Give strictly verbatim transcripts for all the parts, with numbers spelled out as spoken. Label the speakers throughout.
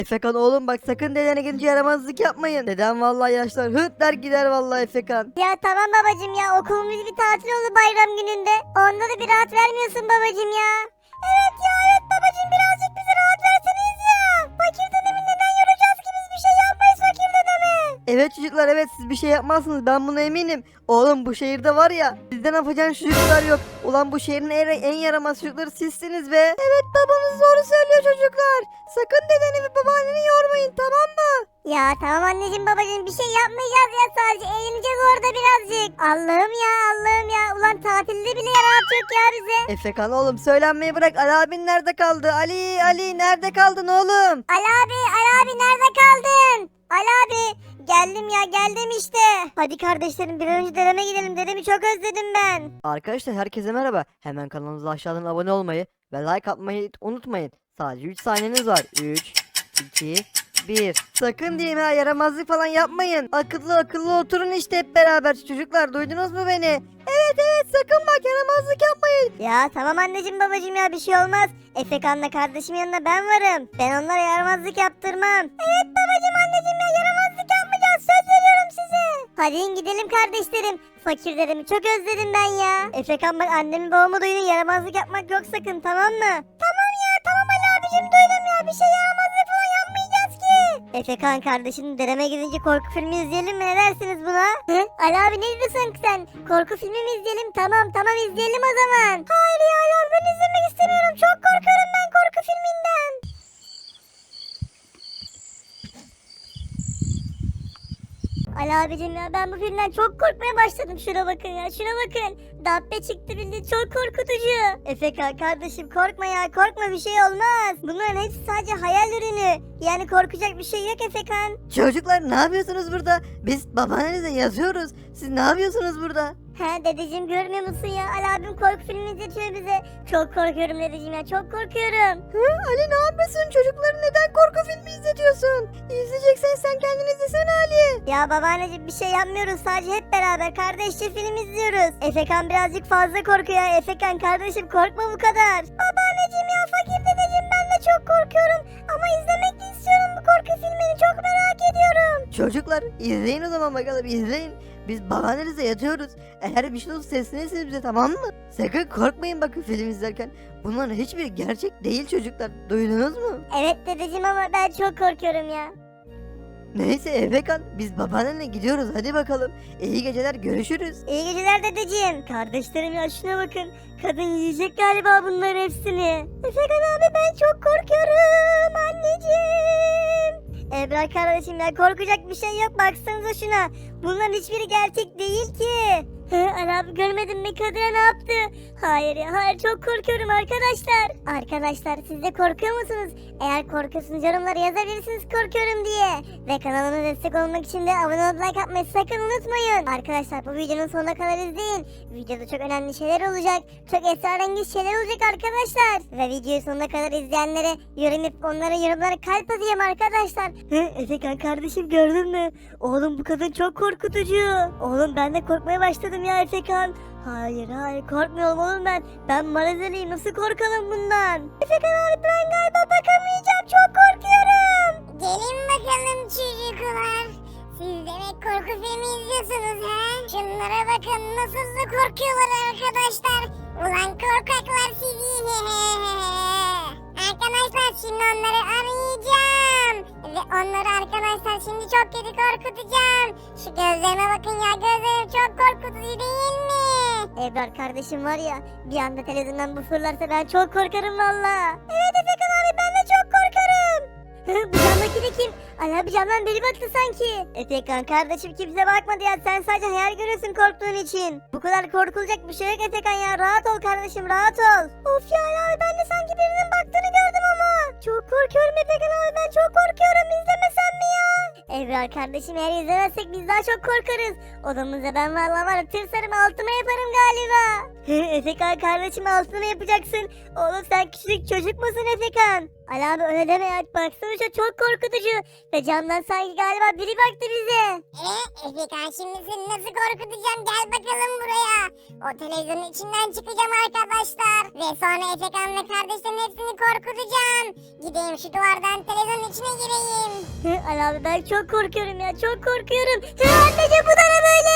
Speaker 1: Efekan oğlum bak sakın dedene gidince yaramazlık yapmayın. Dedem vallahi yaşlar hırt der gider vallahi Efekan.
Speaker 2: Ya tamam babacım ya, okulumuz bir tatil oldu bayram gününde. Onda da bir rahat vermiyorsun babacım ya. Evet ya evet babacım, birazcık bize rahat verseniz ya. Fakir dedemi neden yoracağız ki, biz bir şey yapmayız fakir dedeme.
Speaker 1: Evet çocuklar evet siz bir şey yapmazsınız ben buna eminim. Oğlum bu şehirde var ya sizden yapacağın çocuklar yok. Ulan bu şehrin en, en yaramaz çocukları sizsiniz be. Evet babanız doğru söylüyor çocuklar. Sakın dedeni ve babaanneni yormayın tamam mı?
Speaker 2: Ya tamam anneciğim babacığım, bir şey yapmayacağız ya, sadece eğleneceğiz orada birazcık. Allah'ım ya Allah'ım ya, ulan tatilde bile rahat yok ya bize.
Speaker 1: Efekan oğlum söylenmeyi bırak. Ali abin nerede kaldı? Ali Ali nerede kaldın oğlum?
Speaker 2: Ali abi Ali abi nerede kaldın? Ali abi geldim ya geldim işte. Hadi kardeşlerim bir an önce dedeme gidelim, dedemi çok özledim ben.
Speaker 1: Arkadaşlar herkese merhaba. Hemen kanalımıza aşağıdan abone olmayı ve like atmayı unutmayın. Sadece üç saniyeniz var. üç, iki, bir. Sakın diyeyim ha yaramazlık falan yapmayın. Akıllı akıllı oturun işte hep beraber çocuklar duydunuz mu beni? Evet evet sakın bak yaramazlık yapmayın.
Speaker 2: Ya tamam anneciğim babacığım ya, bir şey olmaz. Efekan'la kardeşim yanında ben varım. Ben onlara yaramazlık yaptırmam. Evet babacığım anneciğim ya, yaramazlık yapmayacağız, söz veriyorum size. Hadi in gidelim kardeşlerim. Fakir dedemi çok özledim ben ya. Efekan bak annemi babamı duyun, yaramazlık yapmak yok sakın, tamam mı? Tamam ya tamam Ali abicim, duydum ya, bir şey yaramazlık falan yapmayacağız ki. Efekan kardeşim dedeme gidince korku filmi izleyelim mi, ne dersiniz buna? Hı? Ali abi ne diyorsun sen? Korku filmi mi izleyelim? Tamam tamam izleyelim o zaman. Hayır ya Ali abi, ben izlemek istemiyorum, çok korkarım ben korku filminden. Ali abicim ya, ben bu filmden çok korkmaya başladım. Şuna bakın ya, şuna bakın. Dabbe çıktı bildiğin, çok korkutucu. Efekan kardeşim korkma ya, korkma, bir şey olmaz. Bunların hepsi sadece hayal ürünü. Yani korkacak bir şey yok Efekan.
Speaker 1: Çocuklar ne yapıyorsunuz burada? Biz babaannenize yazıyoruz. Siz ne yapıyorsunuz burada?
Speaker 2: He dedeciğim, görmüyor musun ya? Ali abim korku filmi izletiyor bize. Çok korkuyorum dedeciğim ya, çok korkuyorum.
Speaker 1: Hı, Ali ne yapıyorsun? Çocukları neden korku filmi izletiyorsun? İzleyeceksen sen kendin izlesene Ali.
Speaker 2: Ya babaanneciğim bir şey yapmıyoruz, sadece hep beraber kardeşçe film izliyoruz. Efekan birazcık fazla korkuyor. Efekan kardeşim korkma bu kadar. Babaanneciğim ya, fakir dedeciğim, ben de çok korkuyorum. Ama izlemek de istiyorum bu korku filmini, çok merak ediyorum.
Speaker 1: Çocuklar izleyin o zaman bakalım izleyin. Biz babaannenize yatıyoruz. Eğer bir şey olursa seslenirsiniz bize tamam mı? Sakın korkmayın bakın film izlerken. Bunların hiçbiri gerçek değil çocuklar. Duydunuz mu?
Speaker 2: Evet dedeciğim ama ben çok korkuyorum ya.
Speaker 1: Neyse Efekan biz babaannenle gidiyoruz hadi bakalım. İyi geceler görüşürüz.
Speaker 2: İyi geceler dedeciğim. Kardeşlerim ya, şuna bakın. Kadın yiyecek galiba bunların hepsini. Efekan abi ben çok korkuyorum anneciğim. Ebrar kardeşim ya, korkacak bir şey yok, baksanıza şuna. Bunların hiçbiri gerçek değil ki. He, Ali abi görmedin mi, kadına ne yaptı? Hayır ya hayır, çok korkuyorum arkadaşlar. Arkadaşlar siz de korkuyor musunuz? Eğer korkuyorsunuz yorumlara yazabilirsiniz korkuyorum diye. Ve kanalıma destek olmak için de abone olup like atmayı sakın unutmayın. Arkadaşlar bu videonun sonuna kadar izleyin. Videoda çok önemli şeyler olacak. Çok esrarengiz şeyler olacak arkadaşlar. Ve videoyu sonuna kadar izleyenlere yorum yapıp onlara yorumlara kalp atayım arkadaşlar. Hı, Efekan kardeşim gördün mü? Oğlum bu kadın çok korkutucu. Oğlum ben de korkmaya başladım ya Efekan. Hayır hayır korkmuyorum oğlum ben. Ben Marazeli'yim, nasıl korkalım bundan? Efekan abi ben galiba bakamayacağım, çok korkuyorum.
Speaker 3: Gelin bakalım çocuklar. Siz demek korku filmi izliyorsunuz ha? Şunlara bakın nasıl da korkuyorlar arkadaşlar. Ulan korkaklar sizi. Arkadaşlar şimdi onları arayacağım. Ve onları arkadaşlar şimdi çok kötü korkutacağım. Şu gözlerime bakın ya, gözlerim çok korkutucu değil mi?
Speaker 2: Ebrar kardeşim var ya, bir anda televizyondan bu fırlarsa ben çok korkarım valla. Evet Efekan abi ben de çok korkarım. Bu camdaki de kim? Ali abi camdan biri baktı sanki. Efekan kardeşim kimse bakmadı ya, sen sadece hayal görüyorsun korktuğun için. Bu kadar korkulacak bir şey yok Efekan ya, rahat ol kardeşim rahat ol. Of ya Ali abi ben de sanki birinin baktığını gördüm ama. Çok korkuyorum Efekan abi, ben çok korkuyorum, izlemesem mi ya? Ebrar kardeşim eğer izlemezsek biz daha çok korkarız. Odamızda ben vallahi var ya, tırsarım altıma yaparım galiba. Efekan kardeşim altına mı yapacaksın? Oğlum sen küçük çocuk musun Efekan? Ali abi öyle deme ya. Baksana şu çok korkutucu. Ve camdan sanki galiba biri baktı bize.
Speaker 3: E, Efekan şimdi seni nasıl korkutacağım? Gel bakalım buraya. O televizyonun içinden çıkacağım arkadaşlar. Ve sonra Efekan ve kardeşlerin hepsini korkutacağım. Gideyim şu duvardan televizyonun içine gireyim.
Speaker 2: Hı, Ali abi ben çok korkuyorum ya. Çok korkuyorum. Hı, anneciğim bu da ne böyle?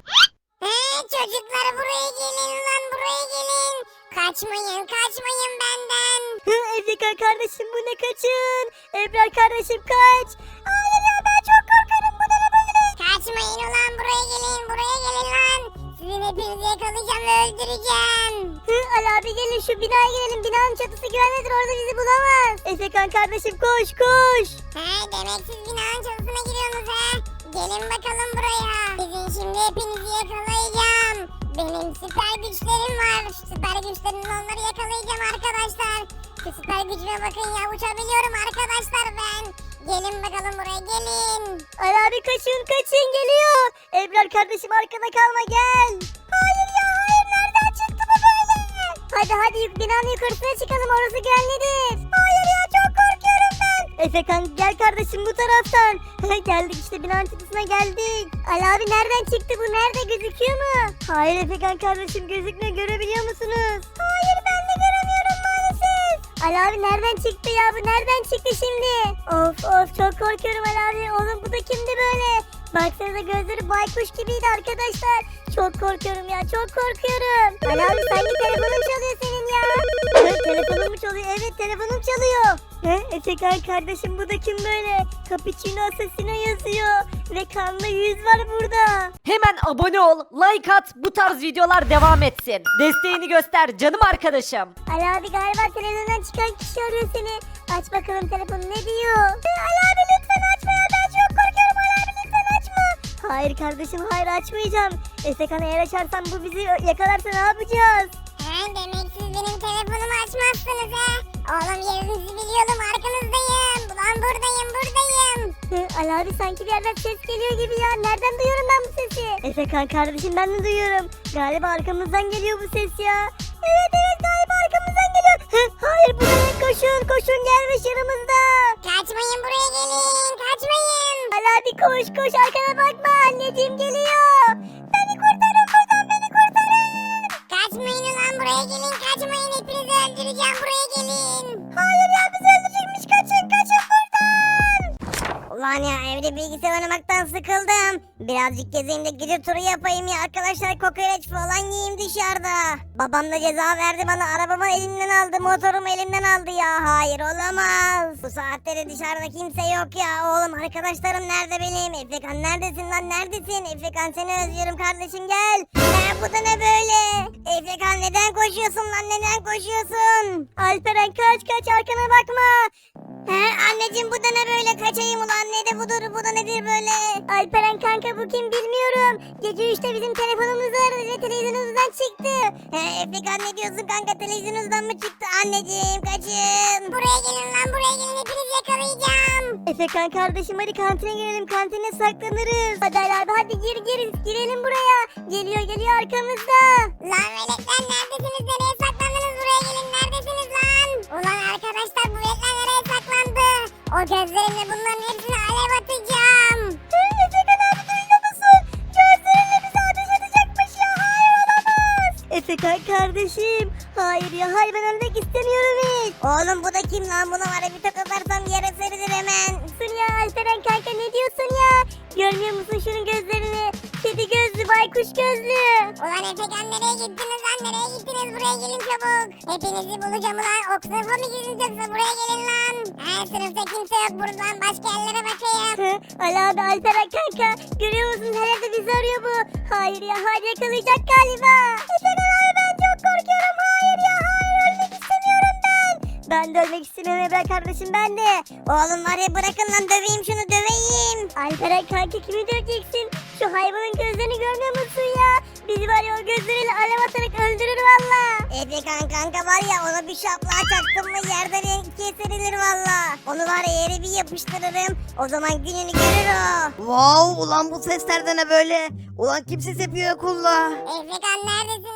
Speaker 3: He, çocuklar buraya gelin lan, buraya gelin. Kaçmayın, kaçmayın benden.
Speaker 2: Hı, Efekan kardeşim bu ne, kaçın. Ebrar kardeşim kaç. Hayır ya ben çok korkarım, bu da ne böyle?
Speaker 3: Kaçmayın ulan, buraya gelin, buraya gelin lan. Sizin hepinizi yakalayacağım ve öldüreceğim.
Speaker 2: Hı, Ali abi gelin şu binaya girelim. Binanın çatısı güvenlidir, orada bizi bulamaz. Efekan kardeşim koş koş.
Speaker 3: He, demek siz binanın çatısına giriyorsunuz he. Gelin bakalım buraya. Sizin şimdi hepinizi yakalayacağım. Benim süper güçlerim var. Şu süper güçlerimle onları yakalayacağım arkadaşlar. Şu süper gücüme bakın ya, uçabiliyorum arkadaşlar ben. Gelin bakalım buraya, gelin.
Speaker 2: Ali abi kaçın kaçın, geliyor. Ebrar kardeşim arkada kalma, gel. Hayır ya hayır, nereden çıktı bu böyle? Hadi hadi yuk- binanın yukarısına çıkalım, orası güvenlidir. Hayır ya çok korkuyorum ben. Efekan gel kardeşim bu taraftan. Geldik işte, binanın çatısına geldik. Ali abi nereden çıktı bu, nerede, gözüküyor mu? Hayır Efekan kardeşim gözükmüyor, görebiliyor musunuz? Hayır ben de göremiyorum maalesef. Ali abi nereden çıktı ya, bu nereden çıktı şimdi? Of of çok korkuyorum Ali abi. Oğlum bu da kimdi böyle? Baksanıza gözleri baykuş gibiydi arkadaşlar. Çok korkuyorum ya, çok korkuyorum. Ali abi sanki telefonum çalıyor senin ya. Evet, telefonum mu çalıyor? Evet telefonum çalıyor. He, Efekan kardeşim bu da kim böyle? Cappuccino Assassino yazıyor. Ve kanlı yüz var burada.
Speaker 4: Hemen abone ol, like at, bu tarz videolar devam etsin. Desteğini göster canım arkadaşım.
Speaker 2: Ali abi galiba televizyondan çıkan kişi arıyor seni. Aç bakalım telefonu, ne diyor? Ali abi lütfen açma ya, ben çok korkuyorum. Ali abi lütfen açma. Hayır kardeşim hayır, açmayacağım. Efekan eğer açarsan bu bizi yakalarsa ne yapacağız?
Speaker 3: He, demek siz benim telefonumu açmazsınız he. Oğlum yerinizi biliyordum, arkanızdayım. Ulan buradayım, buradayım.
Speaker 2: Hı, Ali abi sanki bir yerden ses geliyor gibi ya. Nereden duyuyorum ben bu sesi? Efekan kardeşim ben de duyuyorum. Galiba arkamızdan geliyor bu ses ya. Evet evet galiba arkamızdan geliyor. Hı, hayır bu ne? Koşun koşun, gelmiş yanımızda.
Speaker 3: Kaçmayın, buraya gelin, kaçmayın.
Speaker 2: Ali abi koş koş, arkana bakma, anneciğim geliyor. Beni kurtarın buradan, beni kurtarın.
Speaker 3: Kaçmayın ulan, buraya gelin, kaçmayın. Hepinizi öldüreceğim, buraya gelin.
Speaker 2: Hayır ya bizi öldürecekmiş, kaçın kaçın buradan.
Speaker 3: Ulan ya evde bilgisayar oynamaktan sıkıldım. Birazcık gezeyim de gece turu yapayım ya arkadaşlar, kokoreç falan yiyeyim dışarıda. Babam da ceza verdi bana, arabamı elimden aldı, motorumu elimden aldı ya. Hayır olamaz. Bu saatte dışarıda kimse yok ya. Oğlum arkadaşlarım nerede benim? Efekan neredesin lan, neredesin? Efekan seni özlüyorum kardeşim, gel. Ne bu da ne böyle? Efekan neden koşuyorsun lan, neden koşuyorsun?
Speaker 2: Alperen kaç kaç, arkana bakma.
Speaker 3: He anneciğim, bu da ne böyle, kaçayım ulan, ne de budur, bu da nedir böyle?
Speaker 2: Alperen kanka bu kim bilmiyorum. Gece üçte bizim telefonumuzu aradı ve televizyonumuzdan çıktı.
Speaker 3: He Efekan ne diyorsun kanka, televizyonunuzdan mı çıktı? Anneciğim kaçın. Buraya gelin lan, buraya gelin, hepinizi yakalayacağım.
Speaker 2: Efekan kardeşim hadi kantine girelim, kantine saklanırız. Hadi Ali abi hadi gir gir, girelim buraya. Geliyor geliyor arkamızda.
Speaker 3: Lan veletler neredesiniz, nereye saklandınız, buraya gelin, neredesiniz lan? Ulan arkadaşlar bu veletler nereye saklandı? O gözlerimle bunların hepsini alev atacağım.
Speaker 2: Efekan abi duyuyor musun? Gözlerinle bizi ateş edecekmiş ya, hayır olamaz. Efekan kardeşim hayır ya hayır, ben ölmek istemiyorum hiç.
Speaker 3: Oğlum bu da kim lan, buna var ya bir tokatlarsam yere serilir hemen.
Speaker 2: Dur ya Alperen kanka, ne diyorsun ya? Görmüyor musun şunun gözlerini? Kedi gözlü, baykuş gözlü.
Speaker 3: Ulan Efekan nereye gittiniz lan, nereye gittiniz, buraya gelin çabuk. Hepinizi bulacağım ulan, o sınıfa mı girdiniz yoksa buraya gelin lan. He sınıfta kimse yok, buradan başka yerlere bakayım.
Speaker 2: Hı, Ali abi Alperen kanka, görüyor musun her yerde bizi arıyor bu. Hayır ya hayır, yakalayacak galiba. Efekan abi ben çok korkuyorum, hayır ya hayır, ölmek istemiyorum ben. Ben de ölmek istemiyorum Ebrar kardeşim, ben de.
Speaker 3: Oğlum var ya, bırakın lan, döveyim şunu, döveyim.
Speaker 2: Alperen kanka kimi döveceksin? Şu hayvanın gözlerini görmüyor musun ya? Bizi var ya o gözleriyle alev atarak öldürür valla.
Speaker 3: Efekan kanka var ya, ona bir şaplığa çaktım mı yerden ikiye serilir valla. Onu var ya yere bir yapıştırırım, o zaman gününü görür o.
Speaker 1: Wow, ulan bu sesler de ne böyle? Ulan kim ses yapıyor okulda?
Speaker 3: Efekan neredesin lan,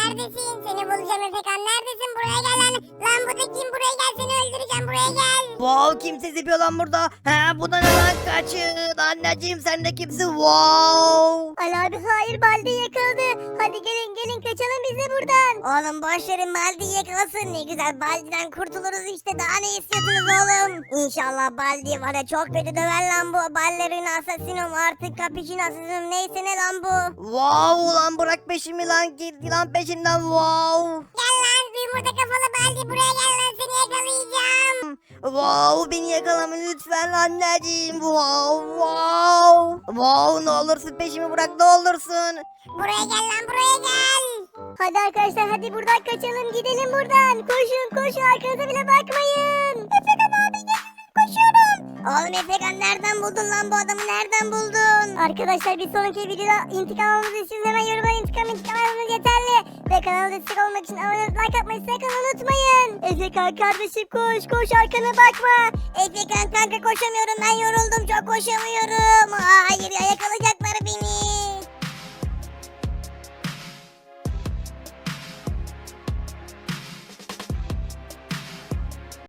Speaker 3: neredesin? Seni bulacağım Efekan, neredesin? Buraya gel lan. Lan bu da kim? Buraya gel, seni öldüreceğim, buraya gel.
Speaker 1: Wow, kim ses yapıyor lan burada? He, bu da ne lan? Kaçın. Anneciğim, sen de kimsin? Wow.
Speaker 2: Ali abi hayır Baldi yakaladı. Hadi gelin gelin kaçalım biz de buradan.
Speaker 3: Oğlum boş verin, Baldi'yi yakalasın. Ne güzel, Baldi'den kurtuluruz işte, daha ne istiyorsunuz oğlum? İnşallah Baldi var ya, çok kötü döver lan bu. Ballerina asasinom, artık cappuccino asasinom, neyse ne lan bu?
Speaker 1: Wow lan, bırak peşimi lan, git lan peşimden. Wow.
Speaker 3: Gel lan yumurta kafalı Baldi, buraya gel lan, seni yakalayacağım.
Speaker 1: Wow, beni yakalama lütfen anneciğim. Wow, wow. Wow, ne olursun peşimi bırak, ne olursun.
Speaker 3: Buraya gel lan, buraya gel.
Speaker 2: Hadi arkadaşlar hadi buradan kaçalım gidelim buradan. Koşun koşun arkanıza bile bakmayın. Efekan abi gel koşuyorum.
Speaker 3: Oğlum Efekan, nereden buldun lan bu adamı, nereden buldun?
Speaker 2: Arkadaşlar bir sonraki videoda intikam almamızı istiyorsanız hemen yorumlara intikam intikam almanız yeterli. Ve kanala destek olmak için abone olup like atmayı sakın unutmayın. Efekan kardeşim koş koş arkana bakma.
Speaker 3: Efekan kanka, koşamıyorum, ben yoruldum, çok koşamıyorum. Aa, hayır ya, yakalayacak